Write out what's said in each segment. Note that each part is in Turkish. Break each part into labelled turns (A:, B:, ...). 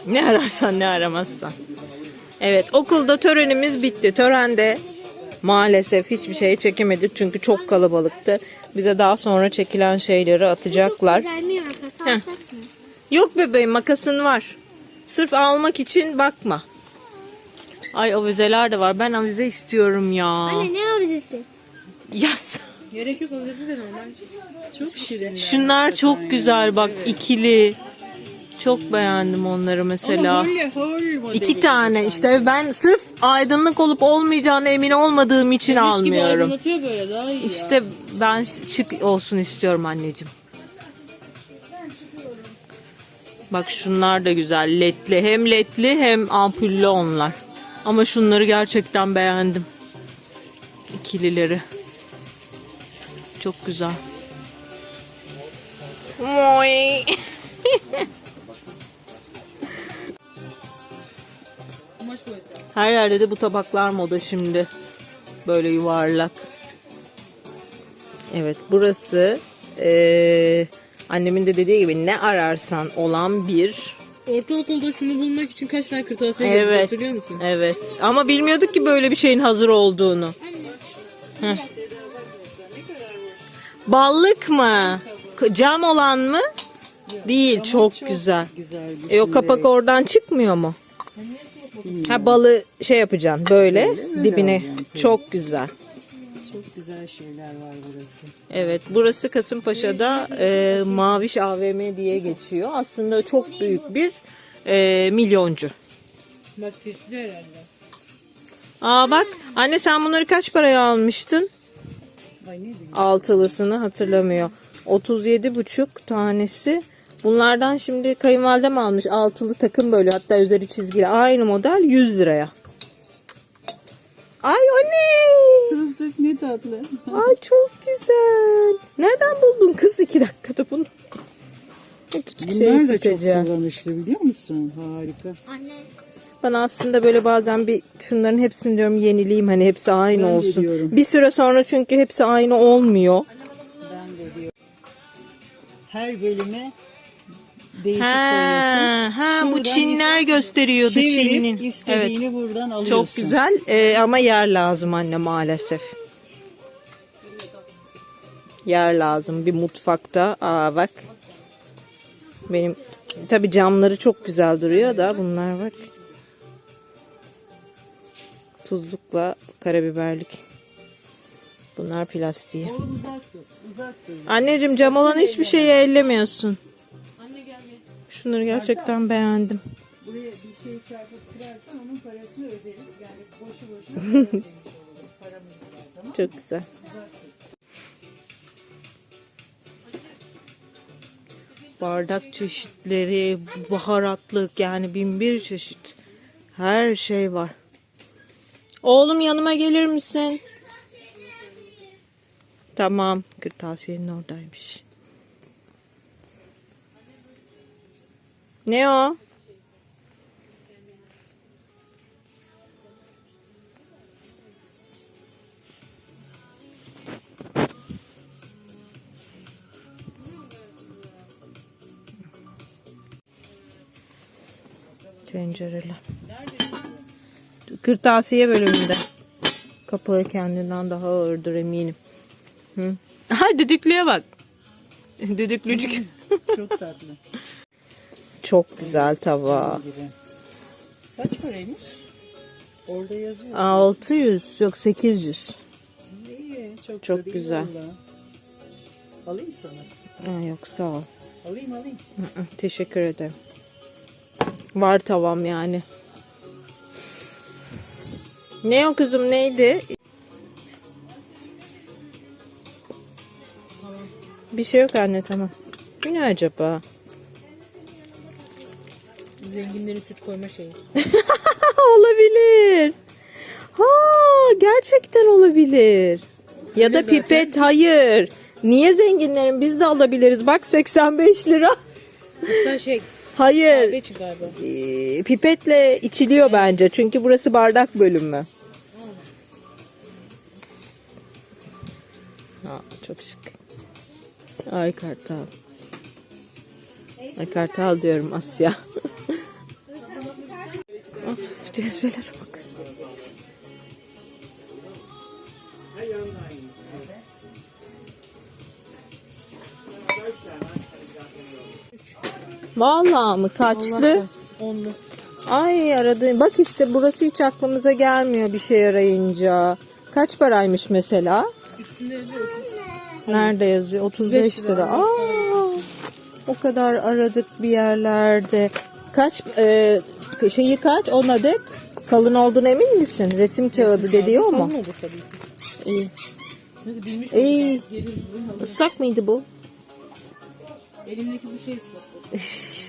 A: Ne ararsan ne aramazsan. Evet, okulda törenimiz bitti. Törende maalesef hiçbir şey çekemedik çünkü çok kalabalıktı. Bize daha sonra çekilen şeyleri atacaklar.
B: Çok güzel bir makas alsak mı?
A: Yok bebeğim, makasın var. Sırf almak için bakma. Ay, avizeler de var. Ben avize istiyorum ya.
B: Anne ne avizesi?
A: Yaz.
C: Gerek yok, avize de normal. Çok şirin.
A: Şunlar çok güzel bak, ikili. Çok beğendim onları mesela. İki tane işte, ben sırf aydınlık olup olmayacağına emin olmadığım için almıyorum.
C: Aydınlatıyor böyle, daha iyi
A: İşte
C: ya.
A: ben şık olsun istiyorum anneciğim. Bak şunlar da güzel, ledli. Hem ledli hem ampullü onlar. Ama şunları gerçekten beğendim. İkilileri. Çok güzel. Moy.
C: Kumaş boyası.
A: Her yerde de bu tabaklar moda şimdi. Böyle yuvarlak. Evet, burası annemin de dediği gibi ne ararsan olan bir...
C: Ortaokulda şunu bulmak için kaç tane kırtasiye gezdik,
A: Evet,
C: hatırlıyor musun?
A: evet. Ama bilmiyorduk ki böyle bir şeyin hazır olduğunu.
B: Anne.
A: Ballık mı? Cam olan mı? Değil, çok güzel. O kapak oradan çıkmıyor mu? Ha, balı şey yapacaksın böyle dibine.
D: alacaksın.
A: Çok güzel.
D: Çok güzel şeyler var burası.
A: Evet, burası Kasımpaşa'da Maviş AVM diye geçiyor. Aslında çok büyük bir milyoncu.
C: Bak keçli herhalde.
A: Aa bak, anne sen bunları kaç paraya almıştın?
D: Ay ne diyeyim?
A: Altılısını hatırlamıyor. 37,5 tanesi. Bunlardan şimdi kayınvalidem almış altılı takım, böyle hatta üzeri çizgili, aynı model 100 liraya. Ay o ne?
D: Kızlık ne tatlı.
A: Ay çok güzel. Nereden buldun kız 2 dakikada bunu? Küçük şey
D: Bunlar da çok
A: isteyeceğim.
D: kullanışlı biliyor musun? Harika.
B: Anne.
A: Ben aslında böyle bazen bir şunların hepsini diyorum yenileyim, hani hepsi aynı
D: Ben de
A: olsun.
D: diyorum.
A: Bir süre sonra çünkü hepsi aynı olmuyor.
D: Ben de diyorum. Her bölüme değişik koyuyorsun.
A: Ha bu
D: Şuradan
A: Çinler gösteriyordu,
D: Çevirip
A: Çin'in. Evet.
D: istediğini buradan alıyorsun.
A: Çok güzel ama yer lazım anne maalesef. Yer lazım bir mutfakta. Aa bak. Benim tabii camları çok güzel duruyor da bunlar bak. Tuzlukla karabiberlik. Bunlar plastiği.
D: Oğlum uzak dur. Uzak dur.
A: Anneciğim, cam olan hiçbir şeyi ellemiyorsun.
C: Anne gel gel.
A: Şunları gerçekten beğendim.
D: Buraya bir şey çarpıp kırarsan onun parasını öderiz. Yani boşu boşuna para ödemiş oluruz. Paramız var, tamam mı?
A: Çok güzel. Bardak çeşitleri, baharatlık, yani bin bir çeşit. Her şey var. Oğlum yanıma gelir misin? Tamam. Kırtasiyenin oradaymış. Ne o? Tencereler. Kırtasiye bölümünde. Kapağı kendinden daha ağırdır eminim. Hı. Ha, düdüklüye bak. Düdüklücük.
D: Çok tatlı.
A: Çok güzel tava.
D: Gibi. Kaç paraymış? Orada yazıyor.
A: 600 yok 800.
D: İyi.
A: Çok
D: da değil
A: güzel.
D: vallahi. Alayım sana.
A: Ha, yok sağ ol.
D: Alayım.
A: Hı, teşekkür ederim. Var tavam yani. Ne o kızım, neydi? Bir şey yok anne, tamam. Bu ne acaba?
C: Zenginlerin süt koyma şeyi.
A: Olabilir. Ha, gerçekten olabilir. Ya da pipet, hayır. Niye zenginlerin, biz de alabiliriz. Bak 85 lira.
C: Hatta şey,
A: Hayır.
C: kahve için galiba.
A: Pipetle içiliyor bence. Çünkü burası bardak bölümü. Ha, çok şık. Ay kartal. Ay kartal diyorum, Asya. Cezvelere bak. Vallahi mı? Kaçlı?
C: 10'lu.
A: Ay aradığım. Bak işte burası hiç aklımıza gelmiyor bir şey arayınca. Kaç paraymış mesela?
C: Üstünde yazıyor.
A: Nerede yazıyor? 35 lira. Aa, o kadar aradık bir yerlerde. Kaç şeyi kaç? 10 adet. Kalın olduğuna emin misin? Resim kağıdı dediği o mu?
C: Kalın olur tabii ki.
A: İyi.
C: Nasıl bilmiş
A: İyi.
C: olduk. Gelir buraya alır.
A: Islak mıydı bu?
C: Elimdeki bu şey ıslattı.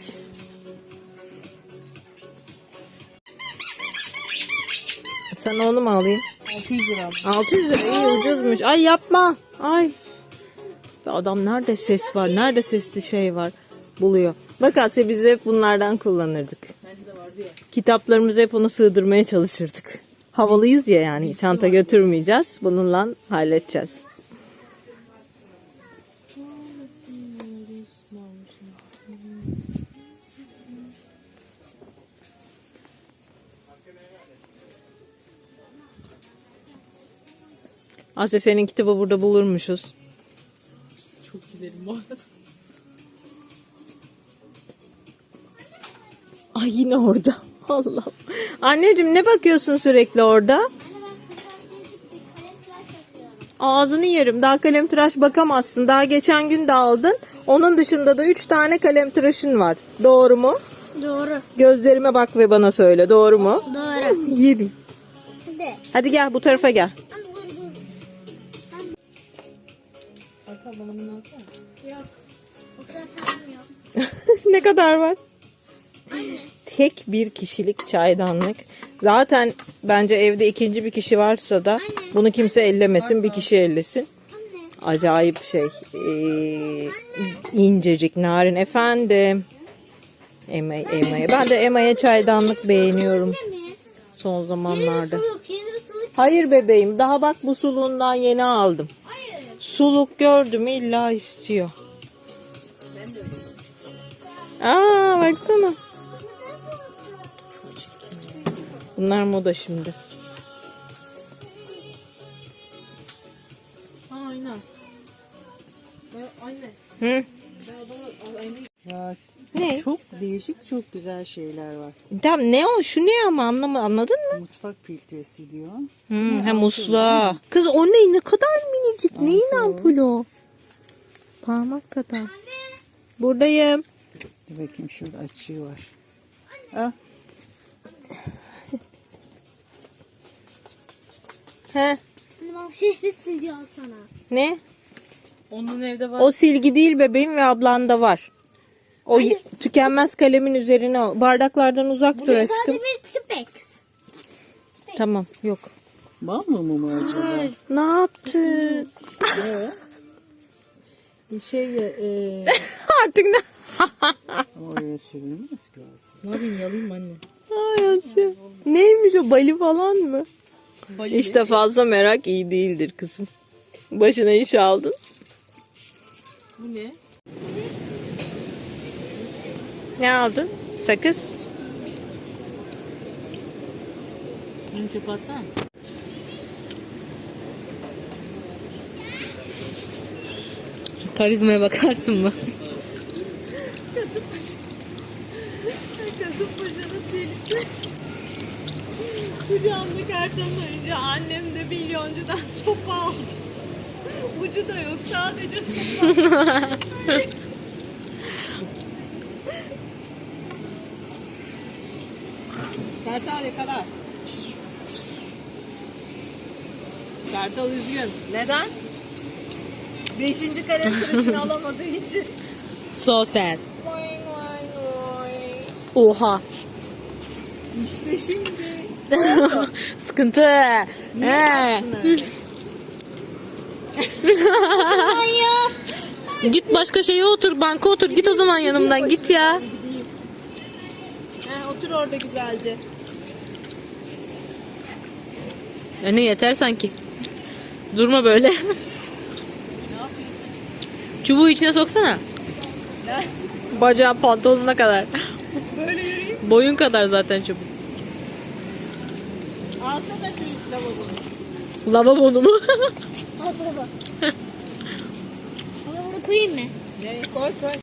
A: Sana onu mu alayım?
C: 600 lira ama.
A: 600 lira iyi ucuzmuş. Ay yapma. Ay. Adam nerede ses var? Nerede sesli şey var? Buluyor. Bak Asya biz de hep bunlardan kullanırdık.
C: Bende de vardı ya.
A: Kitaplarımızı hep ona sığdırmaya çalışırdık. Havalıyız ya yani çanta götürmeyeceğiz. Bununla halledeceğiz. Asya senin kitabı burada bulurmuşuz.
C: Çok giderim bu arada.
A: Ay yine orada. Allah'ım. Anneciğim ne bakıyorsun sürekli orada?
B: Anne ben kırtasiyecik bir kalem tıraş yapıyorum.
A: Ağzını yerim. Daha kalem tıraş bakamazsın. Daha geçen gün de aldın. Onun dışında da 3 tane kalem tıraşın var. Doğru mu?
B: Doğru.
A: Gözlerime bak ve bana söyle. Doğru mu?
B: Doğru.
A: Yerim.
B: Hadi.
A: Hadi gel bu tarafa gel.
B: Anne dur.
C: Arka bana bunu alsana.
B: Yok. O kadar param yok.
A: Ne kadar var? Tek bir kişilik çaydanlık. Zaten bence evde ikinci bir kişi varsa da bunu kimse ellemesin. Bir kişi ellesin. Acayip şey. İncecik, narin. Efendim. Emma'ya. Ben de Emma'ya çaydanlık beğeniyorum son
B: Yeni bir
A: zamanlarda.
B: suluk. Yeni bir suluk.
A: Hayır bebeğim. Daha bak bu suluğundan yeni aldım.
B: Hayır.
A: Suluk gördüm illa istiyor. Aa baksana. Bunlar moda şimdi.
C: Ha aynen. Aynen.
A: Hı?
C: Ben adama aynayı...
D: Ya,
A: Ne?
D: çok değişik, çok güzel şeyler var.
A: Tamam ne o? Şu ne ama anladın mı?
D: Mutfak filtresi diyor.
A: Hem musluğa. Kız o ne? Ne kadar minicik. Neyin ampulü o? Parmak kadar. Buradayım.
D: Dur bakayım şurada açığı var. Ah,
A: He?
B: Anne bana şehri sileceğim sana.
A: Ne?
C: Onun evde var.
A: O silgi değil bebeğim ve ablanda var. O tükenmez kalemin üzerine bardaklardan uzak dur aşkım.
B: Sadece bir Tipex.
A: Tamam yok.
D: bal mı acaba?
A: Ne yaptın?
C: Şey
A: Artık ne?
D: Ama oraya sürülmez ki orası.
C: ne yapayım yalayayım anne.
A: Ay Asya. Neymiş o bali falan mı?
C: Bali
A: İşte fazla merak iyi değildir kızım. Başına iş aldın.
C: Bu ne?
A: Ne aldın? Sakız.
C: Bunu çöpe atsana. Karizmaya bakarsın mı?
A: Kasımpaşa'nın delisi. Kucağımda kartonlayınca annem de milyoncudan sopa aldı. Ucu da yok sadece sopa. Kartal yakala. Kartal üzgün. Neden? 5. kalem tıraşını alamadığı için.
C: So sad.
A: Oy, oy, oy.
C: Oha.
A: İşte şimdi.
C: Sıkıntı. He. Git başka şeye otur, banka otur. Git o zaman yanımdan git ya.
A: Otur orada güzelce.
C: Ne yeter sanki. Durma böyle. Çubuğu içine soksana.
A: Ne?
C: Bacağın pantolonuna kadar.
A: Böyle yürüyeyim.
C: Boyun kadar zaten çubuk.
A: Alsana şu lavabonu.
C: Lavabonu mu?
B: Al baba. Onu koyayım mı?
A: Ne koy koy.